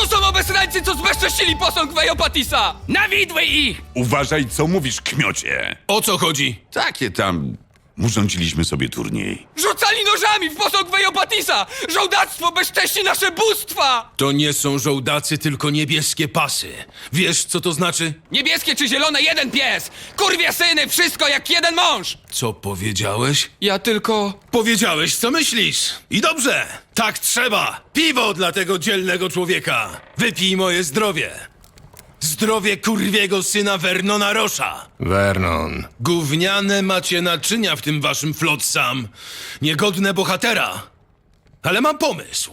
To są obesrańcy, co zbezcześcili posąg Wejopatisa! Na widły ich! Uważaj, co mówisz, kmiocie. O co chodzi? Takie tam... Urządziliśmy sobie turniej. Rzucali nożami w posąg Wejopatisa! Żołdactwo bezcześci nasze bóstwa! To nie są żołdacy, tylko niebieskie pasy. Wiesz, co to znaczy? Niebieskie czy zielone, jeden pies! Kurwie syny, wszystko jak jeden mąż! Co powiedziałeś? Ja tylko... Powiedziałeś, co myślisz. I dobrze, tak trzeba. Piwo dla tego dzielnego człowieka. Wypij moje zdrowie. Zdrowie kurwiego syna Vernona Rosza. Vernon. Gówniane macie naczynia w tym waszym flotsam. Niegodne bohatera. Ale mam pomysł.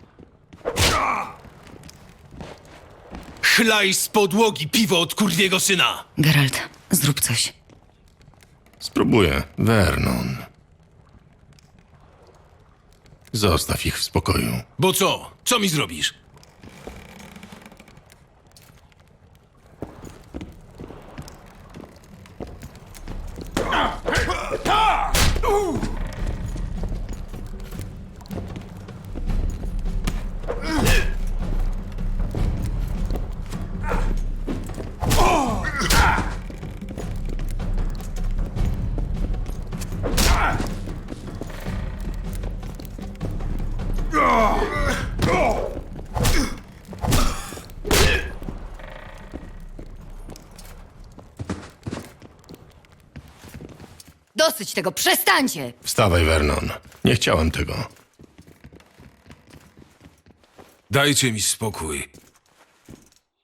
Chlaj z podłogi piwo od kurwiego syna. Geralt, zrób coś. Spróbuję. Vernon. Zostaw ich w spokoju. Bo co? Co mi zrobisz? Dosyć tego, przestańcie! Wstawaj, Vernon. Nie chciałem tego. Dajcie mi spokój.